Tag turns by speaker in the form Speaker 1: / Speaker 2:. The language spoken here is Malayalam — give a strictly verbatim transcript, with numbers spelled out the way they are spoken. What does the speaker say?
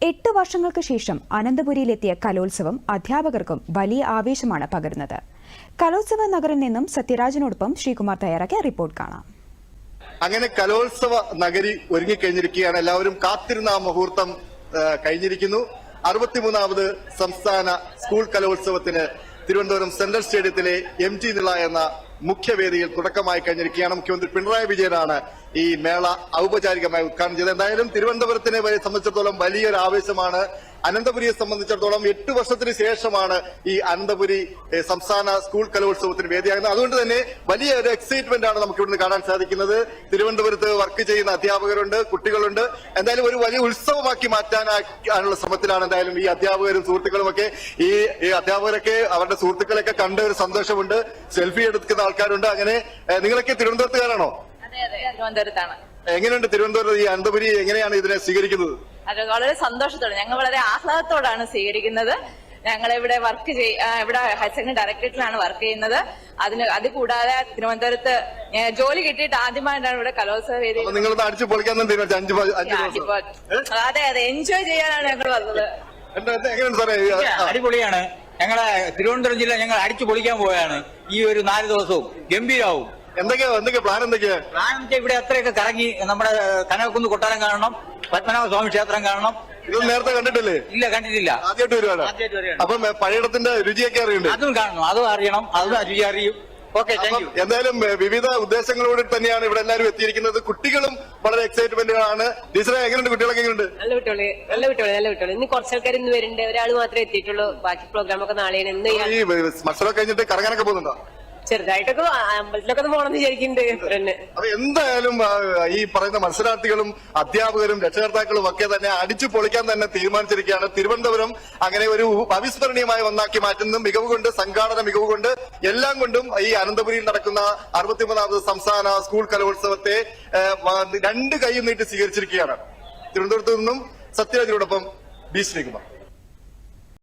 Speaker 1: എട്ട് വർഷങ്ങൾക്ക് ശേഷം അനന്തപുരിയിലെത്തിയ കലോത്സവം അധ്യാപകർക്കും വലിയ ആവേശമാണ് പകരുന്നത്. കലോത്സവ നഗറിൽ നിന്നും സത്യരാജനോടൊപ്പം ശ്രീകുമാർ തയ്യാറാക്കിയ റിപ്പോർട്ട് കാണാം.
Speaker 2: അങ്ങനെ കലോത്സവ നഗരി ഒരുങ്ങിക്കഴിഞ്ഞിരിക്കുകയാണ്. എല്ലാവരും കാത്തിരുന്ന ആ മുഹൂർത്തം കഴിഞ്ഞിരിക്കുന്നു. അറുപത്തിമൂന്നാമത് സംസ്ഥാന സ്കൂൾ കലോത്സവത്തിന് തിരുവനന്തപുരം സെൻട്രൽ സ്റ്റേഡിയത്തിലെ എം ടി നിള എന്ന മുഖ്യവേദിയിൽ തുടക്കമായി കഴിഞ്ഞിരിക്കുകയാണ്. മുഖ്യമന്ത്രി പിണറായി വിജയനാണ് ഈ മേള ഔപചാരികമായി ഉദ്ഘാടനം ചെയ്തത്. എന്തായാലും തിരുവനന്തപുരത്തിനെ സംബന്ധിച്ചിടത്തോളം വലിയൊരു ആവേശമാണ്. അനന്തപുരിയെ സംബന്ധിച്ചിടത്തോളം എട്ട് വർഷത്തിന് ശേഷമാണ് ഈ അനന്തപുരി സംസ്ഥാന സ്കൂൾ കലോത്സവത്തിന് വേദിയാകുന്നത്. അതുകൊണ്ട് തന്നെ വലിയ ഒരു എക്സൈറ്റ്മെന്റ് ആണ് നമുക്ക് ഇവിടുന്ന് കാണാൻ സാധിക്കുന്നത്. തിരുവനന്തപുരത്ത് വർക്ക് ചെയ്യുന്ന അധ്യാപകരുണ്ട്, കുട്ടികളുണ്ട്. എന്തായാലും ഒരു വലിയ ഉത്സവമാക്കി മാറ്റാനുള്ള ശ്രമത്തിലാണ് എന്തായാലും ഈ അധ്യാപകരും സുഹൃത്തുക്കളും ഒക്കെ. ഈ അധ്യാപകരൊക്കെ അവരുടെ സുഹൃത്തുക്കളെയൊക്കെ കണ്ട ഒരു സന്തോഷമുണ്ട്. സെൽഫി എടുക്കുന്ന ആൾക്കാരുണ്ട്. അങ്ങനെ നിങ്ങളൊക്കെ തിരുവനന്തപുരത്തുകാരാണോ?
Speaker 3: തിരുവനന്തപുരത്താണ്.
Speaker 2: എങ്ങനെയുണ്ട് തിരുവനന്തപുരം ഈ അനന്തപുരി എങ്ങനെയാണ് ഇതിനെ സ്വീകരിക്കുന്നത്?
Speaker 3: അത് വളരെ സന്തോഷത്തോടെ, ഞങ്ങൾ വളരെ ആഹ്ലാദത്തോടാണ് സ്വീകരിക്കുന്നത്. ഞങ്ങൾ ഇവിടെ വർക്ക് ചെയ്യ ഇവിടെ ഹയർ സെക്കൻഡറി ഡയറക്ടറേറ്റിലാണ് വർക്ക് ചെയ്യുന്നത്. അതിന് അത് കൂടാതെ തിരുവനന്തപുരത്ത് ജോലി കിട്ടിയിട്ട് ആദ്യമായിട്ടാണ് ഇവിടെ കലോത്സവ വേദി.
Speaker 2: നിങ്ങൾ അടിച്ചു പൊളിക്കാൻ
Speaker 3: അതെ അതെ എൻജോയ് ചെയ്യാനാണ് ഞങ്ങൾ വന്നത്.
Speaker 2: എങ്ങനെയുണ്ട് സാറേ?
Speaker 4: അടിപൊളിയാണ്. ഞങ്ങളെ തിരുവനന്തപുരം ജില്ല ഞങ്ങൾ അടിച്ചു പൊളിക്കാൻ പോവുകയാണ്. ഈ ഒരു നാല് ദിവസവും ഗംഭീരാവും.
Speaker 2: എന്തൊക്കെയാ എന്തൊക്കെയാ പ്ലാൻ? എന്തൊക്കെയാ
Speaker 4: പ്ലാൻ വെച്ചാൽ ഇവിടെ അത്രയൊക്കെ കറങ്ങി നമ്മുടെ കനകക്കുന്ന് കൊട്ടാരം കാണണം, പത്മനാഭ സ്വാമി ക്ഷേത്രം കാണണം.
Speaker 2: ഇത് നേരത്തെ കണ്ടിട്ടില്ലേ?
Speaker 4: ഇല്ല, കണ്ടിട്ടില്ല.
Speaker 2: ആദ്യമായിട്ട് വരുവാണ്. അപ്പം പഴയടത്തിന്റെ രുചിയൊക്കെ അറിയുന്നുണ്ട്.
Speaker 4: അതും കാണണം, അതും അറിയണം, അതും രുചി അറിയും. ഓക്കെ,
Speaker 2: എന്തായാലും വിവിധ ഉദ്ദേശങ്ങളോട് തന്നെയാണ് ഇവിടെ എല്ലാവരും എത്തിയിരിക്കുന്നത്. കുട്ടികളും വളരെ എക്സൈറ്റ്മെന്റുകളാണ്. ടീച്ചറെ എങ്ങനെയുണ്ട്? കുട്ടികളൊക്കെ എങ്ങനെയുണ്ട്?
Speaker 5: നല്ല കുട്ടികള് നല്ല കുട്ടികള് നല്ല കുട്ടികള് ഇന്ന് കുറച്ച് ആൾക്കാർ ഇന്ന് വരുന്നുണ്ട്. ഒരാൾ മാത്രമേ എത്തിയിട്ടുള്ളൂ. ബാക്കി പ്രോഗ്രാം ഒക്കെ നാളെയാണ്. ഇന്ന്
Speaker 2: ഈ മത്സരം കഴിഞ്ഞിട്ട് കറങ്ങാനൊക്കെ പോകുന്നുണ്ടോ?
Speaker 5: ചെറുതായിട്ടൊക്കെ അമ്പലത്തിലൊക്കെ ഒന്ന് പോകണമെന്ന് വിചാരിക്കുന്നുണ്ട്.
Speaker 2: അപ്പൊ എന്തായാലും ഈ പറയുന്ന മത്സരാർത്ഥികളും അധ്യാപകരും രക്ഷകർത്താക്കളും ഒക്കെ തന്നെ അടിച്ചു പൊളിക്കാൻ തന്നെ തീരുമാനിച്ചിരിക്കുകയാണ്. തിരുവനന്തപുരം അങ്ങനെ ഒരു അവിസ്മരണീയമായ ഒന്നാക്കി മാറ്റുന്ന മികവ് കൊണ്ട്, സംഘാടന മികവ് കൊണ്ട്, എല്ലാം കൊണ്ടും ഈ അനന്തപുരിയിൽ നടക്കുന്ന അറുപത്തിമൂന്നാമത് സംസ്ഥാന സ്കൂൾ കലോത്സവത്തെ രണ്ട് കൈയും നീട്ടി സ്വീകരിച്ചിരിക്കുകയാണ്. തിരുവനന്തപുരത്ത് നിന്നും സത്യരാജിനോടൊപ്പം ബി ശ്രീകുമാർ.